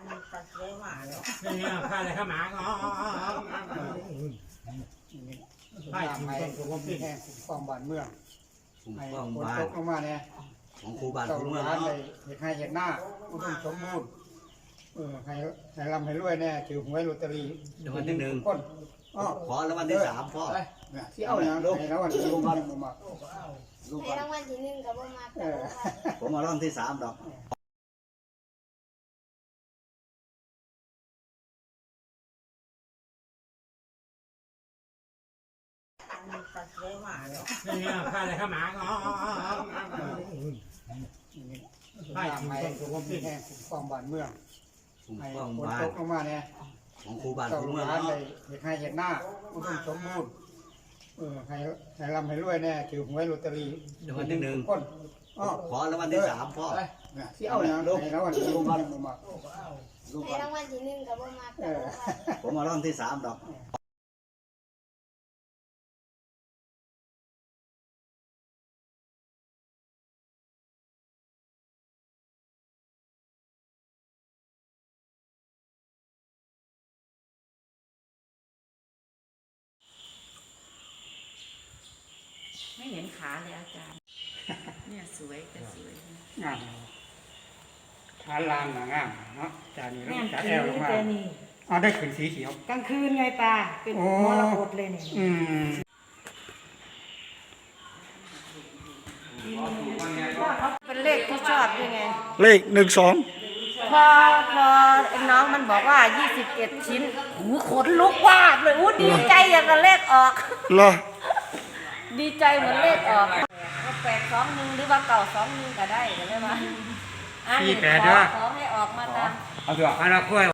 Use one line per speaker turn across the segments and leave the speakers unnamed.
นี่ข้าอะไรข้าหมาอ๋อ
ให้ผมเป็นแห่งกองบ้านเมืองให้คนตกลงมาเนี่ย
ของครูบ้านครูเมือง
เนาะให้เห็นหน้าอุดมสมบูรณ์ให้ร่ำให้รวยเนี่ยถือหวยลอตเตอรี่
รางวัลที่หนึ่ง
คน
ขอรางวัลที่3พ่อ
ที่เอาอย่างให้รางวัลที่1มา
ให้รางวัลที่1กับบ่มา
ผมมารางวัลที่3ดอก
นี่ข้าอะไรข้าหมาอ๋อ
ให้ผมเป็นแห่งกองบ้านเมืองให้คนตกลงมาเนี่ย
ของครูบ้านครูเมือง
เนาะให้เห็นหน้าอุดมสมบูรณ์ให้ร่ำให้รวยเนี่ยถือหวยลอตเตอรี่
รางวัลที่1
คน
ขอรางวัลที่3พ่อ
ที่เอาอย่างให้รางวัลที่1มา
ให้รางวัลที่1กับบ่มา
ผมมารางวัลที่3ดอก
ไม่เห็นขาเลยอาจารย์เนี่ยสวยแต่สวย
งามขาลางงามเนาะจานี่แล้วจะแอลลงมาได้ขึ้นสีเขียว
กลางคืนไงตาเป็นมรกตเลยเนี่ยเป็นเลขที่ชอบยังไง
เลข12
พอน้องมันบอกว่า21ชิ้นหูขนลุกวาบเลยดีใจอย่างกับเลขออก
เหรอ
ดีใจเหมือนเลขออก821หรือว่า921ก็ได้ก็ได้มา
48ด้วย
ขอให้ออกมาตาม
เอาเถอะเราคุย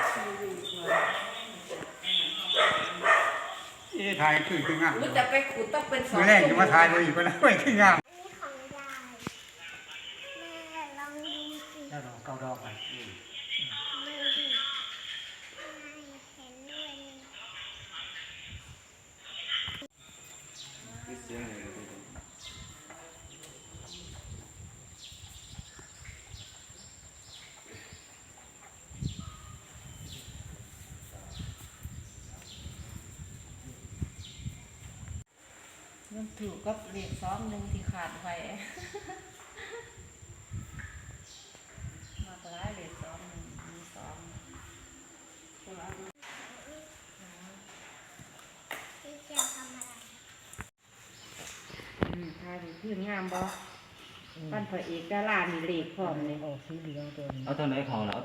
ถ่ายคืองาม
รู้จะไปขุดต้องเป็น2
ชั่วโมงแรกจะมาถ่ายไปอีกแล้วคืองามแล้วเก้าดอกไป
มันถูกก็เลข21ที่ขาดไปมาตัวร้ายเลข21มี2ทายดีขึ้นงามบ่ปั้นพระเอกดารามีเลขพร้อมเลย
สีเหลืองตัวนี้
เอาตัวไหนของแล้ว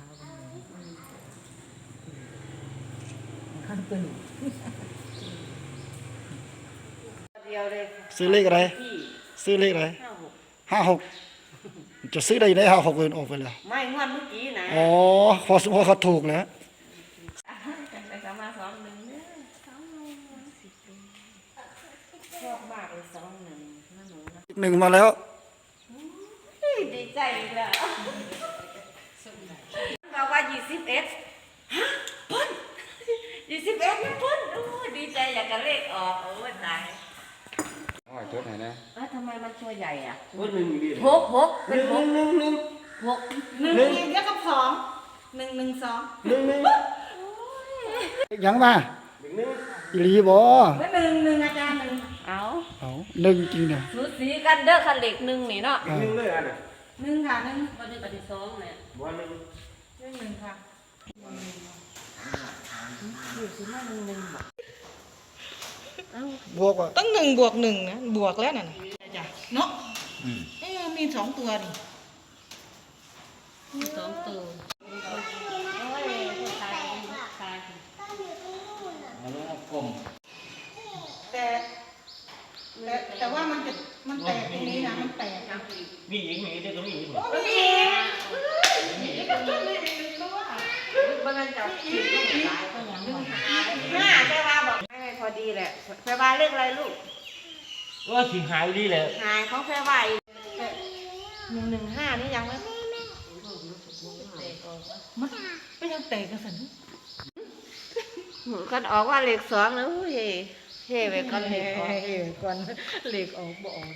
ข้างตัว
เดียวเลย
ซื้อเลขอะไรซื้อเลขอะไร56จะซื้อได้ไหน56เงินออกไปแล้ว
ไม่งวดเมื่อกี้นะ
อ๋อพอเขาถูกแล้ว
ไปสามมา21เนี่ยชอบมากเลย21นะหนู
1มาแล้ว
ดีใจแล้วบอกว่า21ฮะพ้น21นะพ้นดีใจอยากจะเลขออกตาย
จดไหนนะ
ทำไมมันตัวใหญ่อ่ะ
1เป็น
6เยอะกับ2 112
ยังมาอีหลีบ่
1อาจารย์1เอา
1จริงเนี่ย
สูสีกันเด้อคันเลข1นี่เนาะ
1เลยอัน
1ค่ะ1บ่ได้ปฏิ2เนี่ย
บ่
1ค่ะอยู่สิมา1
บวกว่า
ต้อง1 บวก 1นะบวกแล้วน่ะจ้ะเนาะมี2ตัวนี่มี2ตัวแต่ว่ามันแตกตรงนี้นะมันแตกนะ
มีอีกเดี๋ยวก็มีอีก
บางอันจับผิดก็ตายก็ยัง5แปลว่าบอกให้พอดีแหละแปลว่าเลขอะไรลูก
ว่าสิหายดีเลย
หายของแปลว่า115นี่ยังไหมมันไม่ยังแตกกันสันกันออกว่าเลข2แล้วเฮ้ไปก่อนเลขออกก่อนเลขออกบ่ออก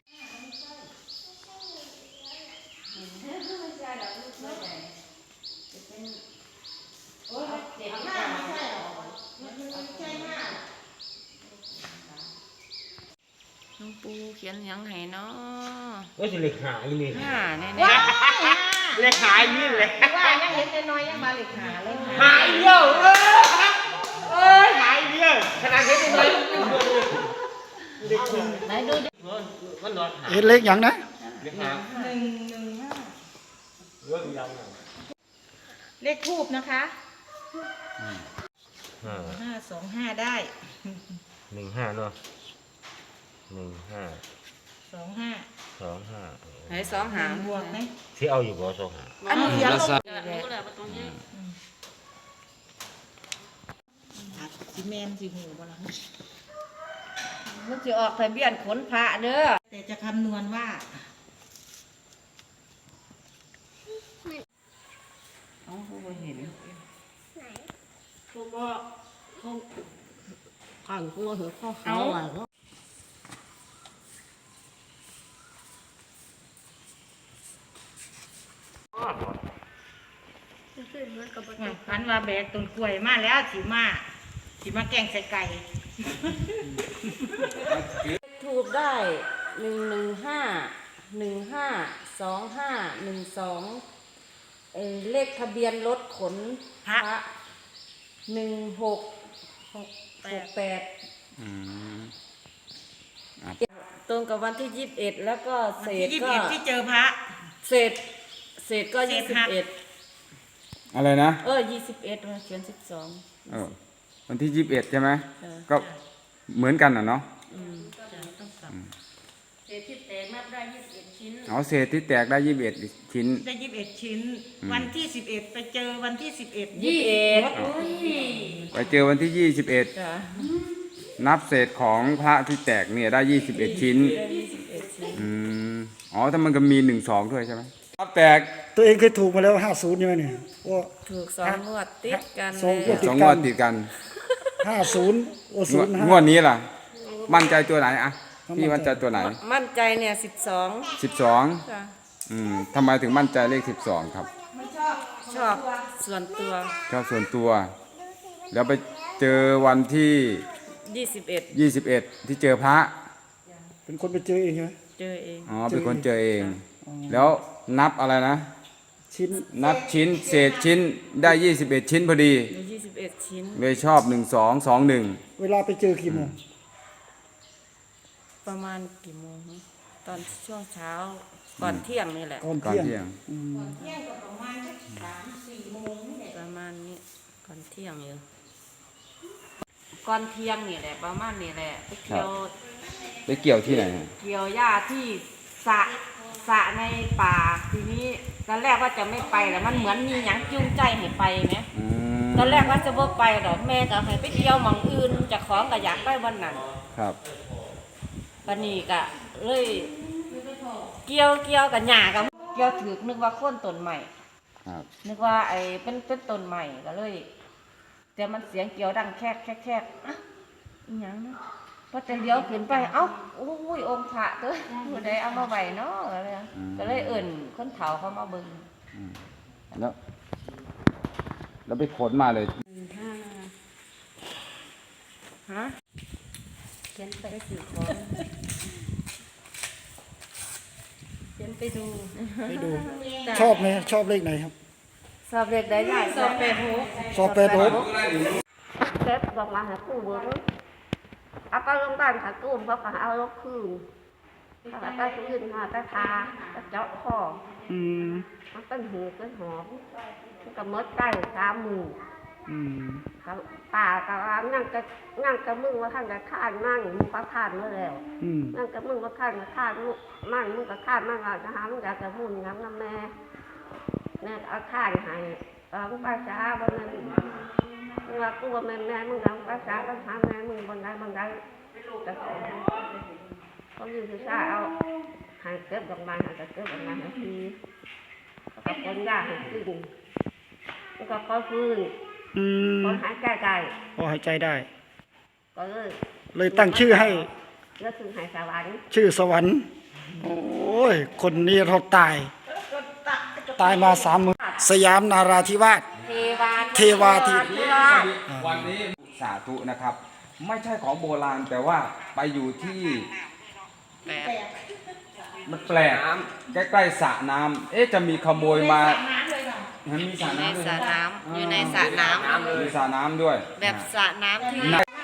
โอ้ยห้าไม่ใช่หรอมันใช่ห้า
หลวงปู่เขียนหยังให้เนาะ
ว่าสิเล็กหายนี่
ห้าแน่
ว้า
เล็กหายนี่แหละ
ว่ายังเห็นแต่น้อยยังมาเหล็กหาเลย
หายเดียวเอ้ยหายเดียวขนาดเห็นเลยเล็กหาย
ไหนดูดิ
มันนอนหาย
เห็นเลขอย่างนะ
เล็กหาย
115
เรื่องยัง
เลขทูบนะคะ525ได้
15เนาะ15
25
25
ให้สองหาง
บวกไหม
ที่เอาอยู่บ่สองหา
อันนี้เขียนลง
รู้แล้วว่าตรงนี้
สิแมนสิหูบ่ล่ะ
มันจะออกทะเบียนขนพระเด้อ
แต่จะคำนวณว่า
เอาผู้บ่เห็น
เขาบอกเขาขังตัวเหรอเขาหาอะไรเขา
คือมันก็บ่
พันว่าแบกต้นกล้วยมาแล้วสิมาแกงใส่ไก่
ถูกได้115 เลขทะเบียนรถขนพระ1668ตรงกับวันที่21แล้วก็เศ
วัน
ษ
ที่
ก็
21ที่เจอพระ
เศษก็
เศษหัก
21
อะไรนะ
21มาเขียน12
วันที่21ใช่ไหม
เออ
ก็เหมือนกันอ่ะเนาะ
เศษที่แตกนับได้21ชิ้น
เอาเศษที่แตกได้21ชิ้น
ได้21ชิ้น วันที่11ไปเจอวันที่11
ไปเจอวันที่ 21
จ้ะ
นับเศษของพระที่แตกเนี่ยได้21ชิ้น
ได้21ชิ้น
อ๋อถ้ามันก็มี1-2ด้วยใช่ไหมครับแตก
ตัวเองเคยถูกมาแล้ว50ใช่ไหมเนี่ยว่า
ถูก2งวดติดกัน
สองงวด
เลย
2 งวดติดกัน
50โอ้
งวด
05
งวดนี้ล่ะ มั่นใจตัวไหนอะพี่มั่นใจตัวไหน
มั่นใจเนี่ย12
12
ค่ะ
ทำไมถึงมั่นใจเลข12ครับ
ชอบส่วนตัว
ชอบส่วนตัว แล้วไปเจอวันที่
21
21 ที่เจอพระ
เป็นคนไปเจอเองใช่ไหม
เจอเอง
อ๋อเป็นคนเจอเอง แล้วนับอะไรนะ
ชิ้น
นับชิ้นเศษชิ้นได้21ชิ้นพอดี
มี21 ชิ้น
เลยชอบ1221
เวลาไปเจอกี่โมง
ประมาณกี่โมงฮะตอนช่วงเช้าก่อนเที่ยงนี่แหละ
ก่อน
ก่อน
เที่ยง
เที่ยง
เที่ยงก็ประมาณ3-4 โมงนี่แหละ
ประมาณนี้ก่อนเที่ยงอยู่ก่อนเที่ยงนี่แหละประมาณนี่แหละไปเที่ยว
ไปเกี่ยวที่ไหนฮะ
เกี่ยวหญ้าที่สระในป่าทีนี้ตอนแรกว่าจะไม่ไปแต่มันเหมือนมีหยังจูงใจให้ไปไหม ตอนแรกว่าจะบ่ไปดอกแม่ก็ให้ไปเที่ยวหม่องอื่นเจะของก็อยากไปวันนั้น
ครับ
บัดนี้ก็เลยเกี่ยวกับหญ้ากับเกี่ยวถือนึกว่าโค่นต้นใหม่
ครับ
นึกว่าไอ้เป็นต้นใหม่ก็เลยแต่มันเสียงเกี่ยวดังแคกอ่ะอีหยังนะพอจะเลี้ยวขึ้นไปเอ้าอุ้ยองค์พระเด้อผู้ใดเอามาไว้เนาะอะไรนะก็เลยเอิ้นคนเฒ่าเขามาเบิ่ง
แล้วไปขนมาเลย
ฮะเขียนไปสื่อของเขียนไปดู
ไปดู ชอบไหมชอบเลขไหนครับ
สอบเด็กได้ใหญ่สอบเป็ดหู
สอบ86
เซ็ตบอกมาหาคู่เบิ้งเอาไปโรงพยาบาลหากู้เขาก็เอารถคืนเขาก็ไปคืนหาไปทาไปเจาะคอ
อืม
มันเป็นหูเป็นหอบมันก็มดได้3 มือ
อืม
ก็ป่าก็ว่านั่งกับมึงว่าท่านก็คานมั่งมึงก็คานมาแล้ว
อืม
นั่งกับมึงว่าคานก็คานมั่งมึงก็คานมั่งเอาจะหามึงอยากจะพูดงั้นนะแม่เอาคานให้มึงภาษาบนนั้นมึงว่ากูว่าแม่มึงเอาภาษาต้องหาแม่มึงบนใดแต่เขาอยู่ที่ซ่าเอาหายเก็บดอกไม้หายเก็บดอกไม้หายทีเขาก็คนยากให้ขึ้นมันก็ค่อยฟื้น
อืม
คนหายใจได้
พอหายใจได้
ก็เลย
เลยตั้งชื่อให้
เลือกถึงหายสวรรค์
ชื่อสวรรค์ โอ้ย คนนี้เราตายมา30,000สยามนาราธิวาส
เห
เทวาที
วันนี้สาธุนะครับ ไม่ใช่ของโบราณแต่ว่าไปอยู่ที่มันแปลกใกล้ๆสระน้ำจะมีขโมยมามันมีสระน้ำด้วย
สระน้ำอยู่ในสระน้ำ
มีสระน้ำด้วย
แบบสระน้ำที่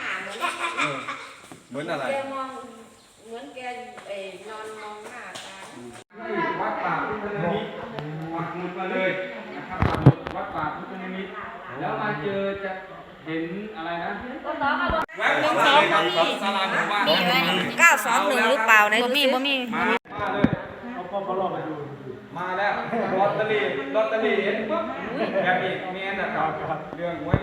เหมือนอะไร
เหมือนแกนอนมองหน้าตา
วัดป่าพุทธนิมิตปักหมุดมาเลยนะครับวัดป่าพุทธนิมิตแล้วมาเจอจะเห็นอะไรนะแวะเข้ามาเลยครับศาลาหมู่บ้าน
921หรือเปล่าในบ่มี
มาเลยมาแล้วลอตเตอรี่เห็นปุ๊บแบบนี้เมียนะครับเรื่องไว้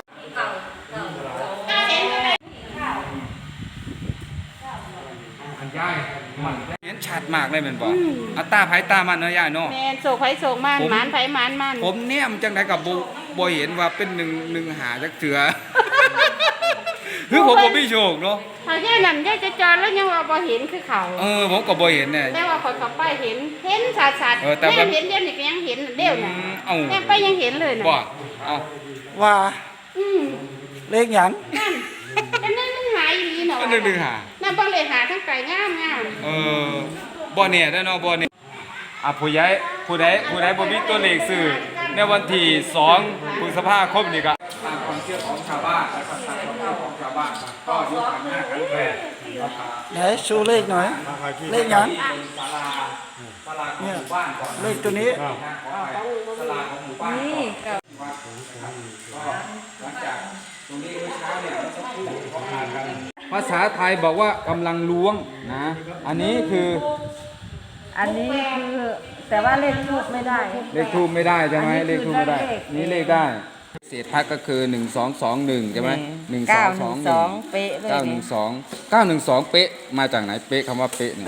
อันย่ายมันเห็นชัดมากเลยแมันบอกอัตตาไผตามันเนาะย่ายเนาะ
แม่นโศกไผโศกมันหมานไผหมานมัน
ผมเนี่ยมันจังไดกับบ่เห็นว่าเป็นหนึ่งหาจักเถือคือผมบ่มีโชคเนาะ
ถ้าแย่นั่นแย่จะจอนแล้วยังว่าบ่เห็นคือเขา
ผมก็บ่เห็นเนี่ย
แต่ว่าคนเข้าไปเห็นชัดๆ
แต่แบบ
เห็นเดี๋ยวนี้ก็ยังเห็นเดี๋ยวน่ะ
เอ้า
แม่ไปยังเห็นเลยน่ะ
บ่เอา
ว่า
อืม
เลขหยัง
นั่นแต่นั่นมันหายอีหลีเนาะ
ก็หนึ่งหา
นั่นบ่เลยหาทั้งไก่งาม
บ่เนี่ยได้เนาะบ่เนี่ยผู้ใหญ่ผู้ใดบ่มีตัวเลขซื้อในวันที่2พฤษภาคมนี่ก็ตามความเชื่อของชาวบ้านแล้วก็ตามความเชื่อของชาวบ้านก็ยกขันห้าขันแปด
ไหนชูเลขหน่อย เลขหยัง
ศาลาของหมู่บ้านก่อน
เลขตัวนี้
ศาลาของหมู่บ้านก่อนก็หลังจากตรงนี้เมื่อเช้าเนี่ยเขาอ่านกันภาษาไทยบอกว่ากำลังล้วงนะ อันนี้คือ
อันนี้คือแต่ว่าเลขทูบไม่ได้
เลขทูบไม่ได้ใช่ไหม
อันนี้
เลขทูบไม่ได้
คือเลข
นี่เลขได้ เศษพักก็คือ 1221ใช่ไหม1221
เป๊ะเลย
912 เป๊ะมาจากไหนเป๊ะคำว่าเป๊ะเนี่ย
ก็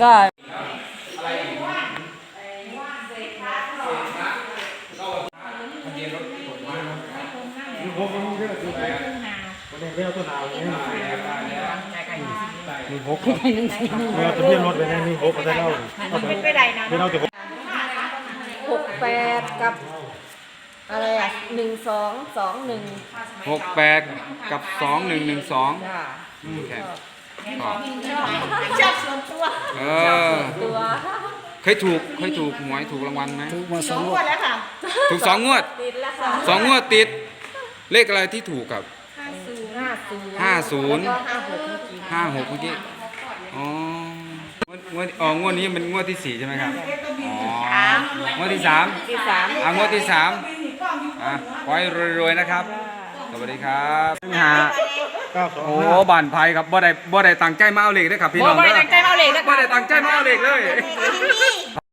68กับอะไรอ่ะ1221
68 กับ 2112
จ้า
แค่
ชอบส่วนตัว ตัว
เคยถูกหวยถูกรางวัลไหม
ถูกมาสองงวด
แล้วค่ะ
ถูก2 งวด
ติดแล้วค่ะ
2 งวดติด เลขอะไรที่ถูกกับ
50
50 56เมื่อกี้อ๋องวดนี้เป็นงวดที่4ใช่ไหมครับอ๋องวดที่3
ที่3
งวดที่3ขอให้รวยๆนะครับสวัสดีครับโอ้บ้านไผ่ครับบ่ได้ตั้งใจมาเอาเลขเด้อครับพี่น้อง
บ่ได้ตั้งใจมาเอาเลขเด้อครับ
บ่ได้ตั้งใจมาเอาเลขเลย